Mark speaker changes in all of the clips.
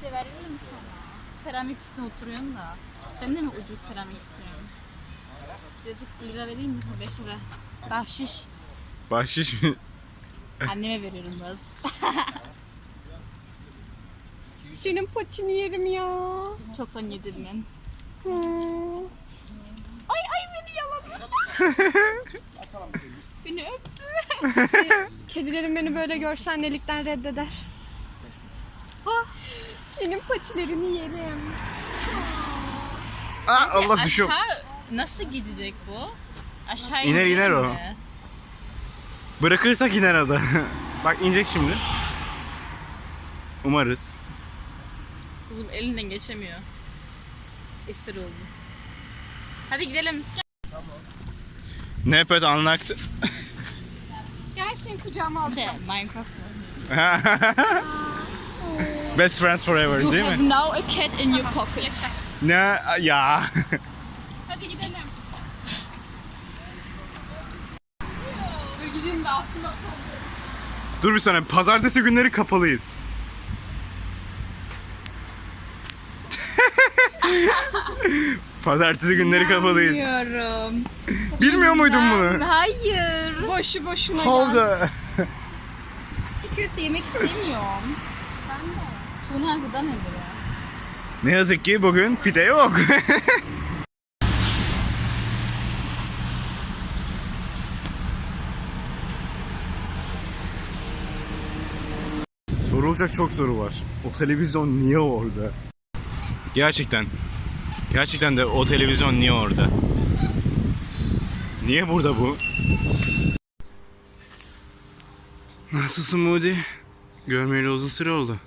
Speaker 1: de vereyim mi sana? Seramik üstüne oturuyorsun da. Sen de mi ucuz seramik istiyorsun? Birazcık lira vereyim mi? 5 lira. Bahşiş.
Speaker 2: Bahşiş mi?
Speaker 1: Anneme veriyorum biraz.
Speaker 3: Senin paçını yerim ya.
Speaker 1: Çoktan yedim ben.
Speaker 3: Ay beni yaladı.
Speaker 1: Beni öptü.
Speaker 3: Kedilerim beni böyle görse annelikten reddeder. Senin patilerini yerim.
Speaker 2: Allah düşüyor.
Speaker 1: Aşağı nasıl gidecek bu? Aşağı
Speaker 2: İner, iner o.
Speaker 1: mi?
Speaker 2: Bırakırsak iner o da. Bak inecek şimdi. Umarız.
Speaker 1: Kızım elinden geçemiyor. Esir oldu. Hadi gidelim.
Speaker 2: Ne yapıyor anlattı.
Speaker 3: Gel seni kucağıma al.
Speaker 1: Minecraft mı?
Speaker 2: Best friends forever
Speaker 1: You
Speaker 2: değil
Speaker 1: have
Speaker 2: mi?
Speaker 1: now a cat in your pocket.
Speaker 2: Ne ya.
Speaker 1: Hadi gidelim.
Speaker 3: Dur gideyim de altına
Speaker 2: Dur bir saniye. Pazartesi günleri kapalıyız. Pazartesi günleri kapalıyız.
Speaker 1: Bilmiyorum.
Speaker 2: Bilmiyor muydun bunu?
Speaker 1: Hayır.
Speaker 3: boşu boşuna gel.
Speaker 2: Havda.
Speaker 1: Çiğ köfte yemek istemiyorum. Ben de. Tuna gıda nedir ya?
Speaker 2: Ne yazık ki bugün pide yok. Sorulacak çok soru var. O televizyon niye orada? Gerçekten. Gerçekten de o televizyon niye orada? Niye burada bu? Nasılsın Moody? Görmeyeli uzun süre oldu.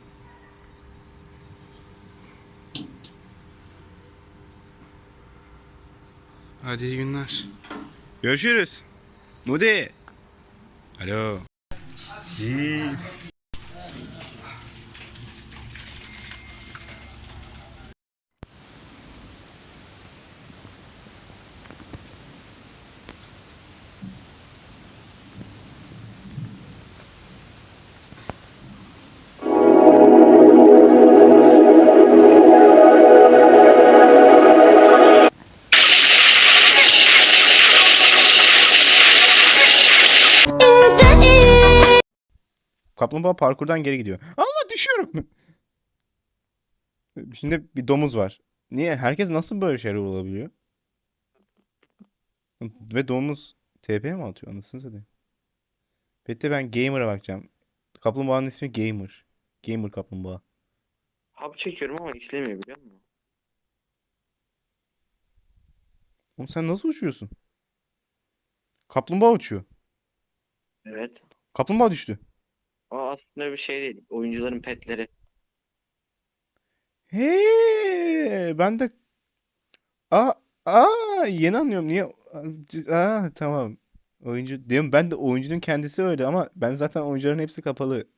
Speaker 2: Hadi iyi günler. Görüşürüz. Moody. Alo. İyi. Kaplumbağa parkurdan geri gidiyor. Allah düşüyorum. Şimdi bir domuz var. Niye? Herkes nasıl böyle şeyler olabiliyor? Ve domuz TP mi atıyor? Anasını satayım. Peki ben Gamer'a bakacağım. Kaplumbağanın ismi Gamer. Gamer kaplumbağa.
Speaker 4: Hap çekiyorum ama işlemiyor biliyor musun?
Speaker 2: Oğlum sen nasıl uçuyorsun? Kaplumbağa uçuyor.
Speaker 4: Evet.
Speaker 2: Kaplumbağa düştü.
Speaker 4: O aslında bir şey değil. Oyuncuların petleri.
Speaker 2: He, ben de aa, yeni anlıyorum. Niye? Tamam. Oyuncu diyorum ben de oyuncunun kendisi öyle ama ben zaten oyuncuların hepsi kapalı.